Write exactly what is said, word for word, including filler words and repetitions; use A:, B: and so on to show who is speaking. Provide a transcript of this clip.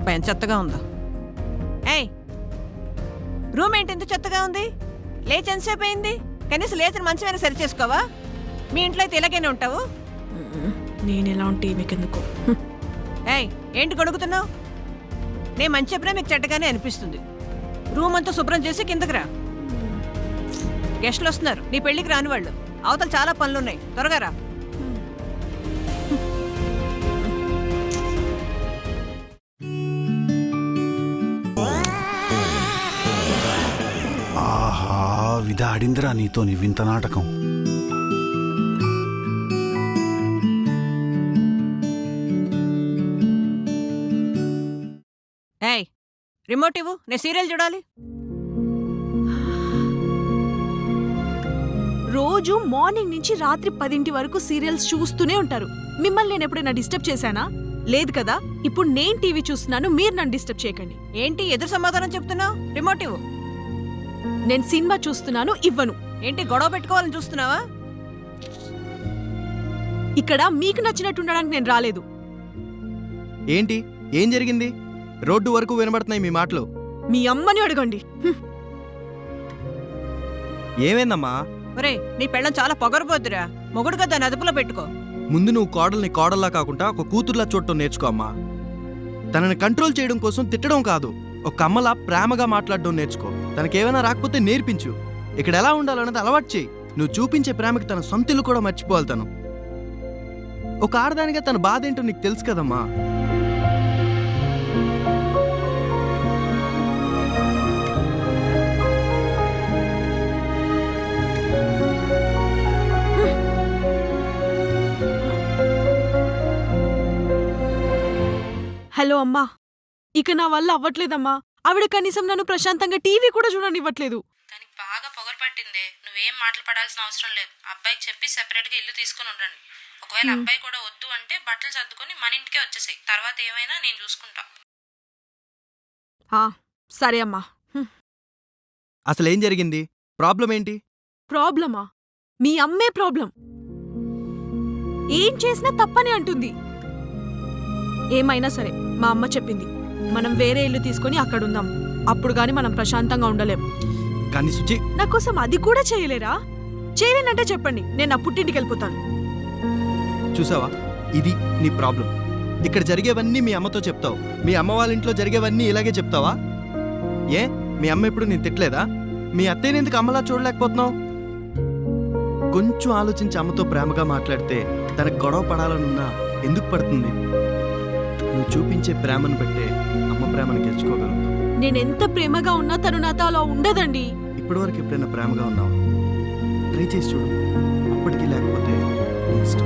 A: అబ్బాయి ఎంత చెత్తగా ఉందో. ఏయ్, రూమ్ ఏంటి ఎంత చెత్తగా ఉంది? లేచి ఎంతసేపు అయింది? కనీసం లేచిన మంచమైనా సరి చేసుకోవా? మీ ఇంట్లో అయితే ఇలాగైనా ఉంటావు.
B: నేను ఎలా ఉంటే మీకెందుకు?
A: ఏయ్, ఏంటి గొడుగుతున్నావు? నేను మంచి చెప్పినా మీకు చెడ్డగానే అనిపిస్తుంది. రూమ్ అంతా శుభ్రం చేసి కిందకి రా. గెస్టులు వస్తున్నారు, నీ పెళ్లికి రాని వాళ్ళు. అవతల చాలా పనులున్నాయి, త్వరగా రా.
C: ఆహా, విధాడిందిరా నీతో నీ వింత నాటకం.
A: ఏయ్, రిమోట్ ఇవ్వు, నేను సీరియల్ చూడాలి.
B: రోజు మార్నింగ్ నుంచి రాత్రి పదింటి వరకు సీరియల్స్ చూస్తూనే ఉంటారు. మిమ్మల్ని నేను ఎప్పుడైనా డిస్టర్బ్ చేశానా? లేదు కదా. ఇప్పుడు నేను టీవీ చూస్తున్నాను, మీరు నన్ను డిస్టర్బ్ చేయకండి.
A: ఏంటి ఎదురు సమాధానం చెప్తున్నావు? రిమోట్ ఇవ్వు.
B: నేను సినిమా చూస్తున్నాను, ఇవ్వను.
A: ఏంటి గొడవ పెట్టుకోవాలని చూస్తున్నావా?
B: ఇక్కడ మీకు నచ్చినట్టు ఉండడానికి నేను రాలేదు.
D: ఏంటి ఏం జరిగింది? రోడ్డు వరకు వినబడుతున్నాయి మీ మాటలు.
B: మీ అమ్మని అడగండి. హ్మ్.
D: ఏమైందమ్మా?
A: ఒరే, నీ పెళ్ళం చాలా పొగరబోద్దురా. మొగుడుగా దాన్ని అదుపులో పెట్టుకో.
D: ముందు నువ్వు కోడల్ని కోడల్లా కాకుండా ఒక కూతుర్లా చూడటం నేర్చుకో అమ్మా. తనని కంట్రోల్ చేయడం కోసం తిట్టడం కాదు, ఒక అమ్మలా ప్రేమగా మాట్లాడడం నేర్చుకో. తనకేమైనా రాకపోతే నేర్పించు. ఇక్కడ ఎలా ఉండాలన్నది అలవాటు చేయి. నువ్వు చూపించే ప్రేమకి తన సొంతిల్లు కూడా మర్చిపోవాలి. తను ఒక ఆడదానిగా తన బాధ ఏంటో నీకు తెలుసు కదమ్మా.
B: హలో అమ్మా, ఇక నా వల్ల అవ్వట్లేదమ్మా. ఆవిడ కనీసం నన్ను ప్రశాంతంగా టీవీ కూడా చూడనివ్వట్లేదు.
E: దానికి బాగా పొగరు పట్టిందే. నువ్వేం మాటలు పడాల్సిన అవసరం లేదు. అబ్బాయికి చెప్పి సెపరేట్గా ఇల్లు తీసుకుని ఉండండి. ఒకవేళ అబ్బాయి కూడా వద్దు అంటే బట్టలు సర్దుకొని మన ఇంటికే వచ్చేసాయి. తర్వాత ఏమైనా నేను చూసుకుంటా.
B: సరే అమ్మా.
D: అసలేం జరిగింది? ప్రాబ్లం ఏంటి?
B: ప్రాబ్లమా? మీ అమ్మే ప్రాబ్లం. ఏం చేసినా తప్పని అంటుంది. ఏమైనా సరే, మా అమ్మ చెప్పింది, మనం వేరే ఇల్లు తీసుకుని అక్కడుందాం. అప్పుడు గాని మనం ప్రశాంతంగా ఉండలేం.
D: కానీ సుచి,
B: నా కోసం అది కూడా చేయలేరా? చేయలేనంటే చెప్పండి, నేను నా పుట్టింటికి వెళ్ళిపోతాను.
D: చూసావా, ఇది నీ ప్రాబ్లం. ఇక్కడ జరిగేవన్నీ మీ అమ్మతో చెప్తావు. మీ అమ్మ వాళ్ళ ఇంట్లో జరిగేవన్నీ ఇలాగే చెప్తావా? ఏ, మీ అమ్మ ఎప్పుడు నేను తిట్టలేదా? మీ అత్తయ్యని ఎందుకు అమ్మలా చూడలేకపోతున్నావు? కొంచెం ఆలోచించి అమ్మతో ప్రేమగా మాట్లాడితే తనకు గొడవ పడాలనున్నా ఎందుకు పడుతుంది? నువ్వు చూపించే ప్రేమను బట్టే అమ్మ ప్రేమను గెలుచుకోగలుగుతావు.
B: నేనెంత ప్రేమగా ఉన్నా తను నాతో అలా ఉండదండి.
D: ఇప్పటివరకు ఎప్పుడైనా ప్రేమగా ఉన్నావా? ట్రై చేసి చూడు. అప్పటికీ లేకపోతే నీ ఇష్టం.